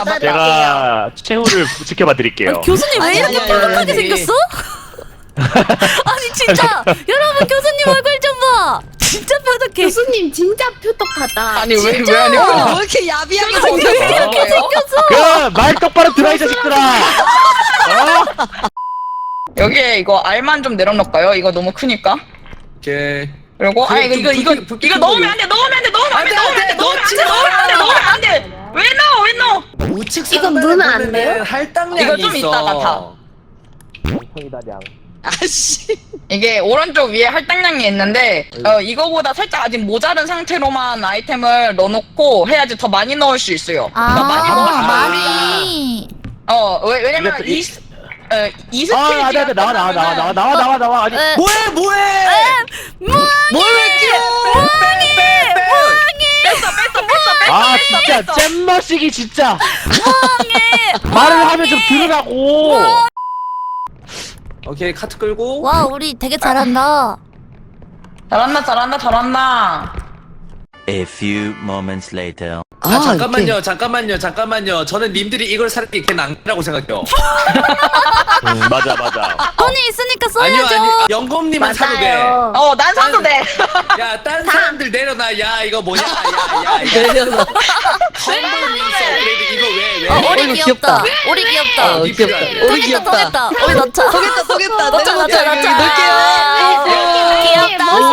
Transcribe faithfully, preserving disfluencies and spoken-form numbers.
잡아. 제가 최후를 지켜봐 드릴게요. 아니, 교수님 왜 아니, 이렇게 아니, 뾰족하게 아니, 아니. 생겼어? 아니 진짜 여러분 교수님 얼굴 좀 봐. 진짜 뾰족해. 교수님 진짜 표독하다. 아니 왜 왜 진짜? 아니 어. 왜 이렇게 야비하게 생겼어? 이렇게 생겼어. 그말 똑바로 들어 이 자식들아. 어? 여기에 이거 알만 좀 내려놓을까요? 이거 너무 크니까. 오케이. 그리고 그, 아 이거 좀 이거 이거 불- 불- 이거 불- 넣으면 안 돼. 넣으면 안 돼. 넣으면 안 돼. 넣으면 안 돼. 넣으면 안 돼. 넣으면 안 돼. 넣으면 안 돼. 넣으면 안 돼. 왜 넣어? 왜 넣어? 우측 이거 상단에 넣으면 안 보면은 돼요? 할당량이 이거 좀 있어. 이따가 다. 아씨. 이게 오른쪽 위에 할당량이 있는데 어 이거보다 살짝 아직 모자른 상태로만 아이템을 넣어놓고 해야지 더 많이 넣을 수 있어요. 그러니까 많이 넣을 수 아 있어요. 많이. 어 왜, 왜냐면 이거- 이 스- 어, 이 아, 스테이지가 안돼 안돼 나와 나와 나와 나와 끝나면은- 나와 나와 나와 아니. 에, 뭐해 뭐해? 뭘왜 끼워? 뺐어 뺐어 뺐어 뺐어 아 뺐어 진짜 뺐어. 잼머시기 진짜. 말을 하면 좀 들으라고. 오케이 카트 끌고. 와 우리 되게 잘한다. 잘한다 잘한다 잘한다. A few moments later. 아, 잠깐만요 잠깐만요 잠깐만요. 저는 님들이 이걸 사는 게 낭이라고 생각해요. 음, 맞아 맞아. 돈이 있으니까 아니요 써야죠. 아니 영검님은 사도 돼. 맞아요. 어 난 사도 돼. 야, 딴 사람들 내려놔. 야, 이거 뭐냐? 야, 야, 이거. 내려놔. 험블 윈서 업그레이드 이거 왜, 왜? 어, 어, 우리 이거 귀엽다. 귀엽다. 우리 귀엽다. 어, 귀엽다. 우리 통했다 귀엽다. 통했다. 우리 넣자. 쏘겠다 쏘겠다. 넣자 넣자 여기 넣자. 넣을게요. 귀엽다.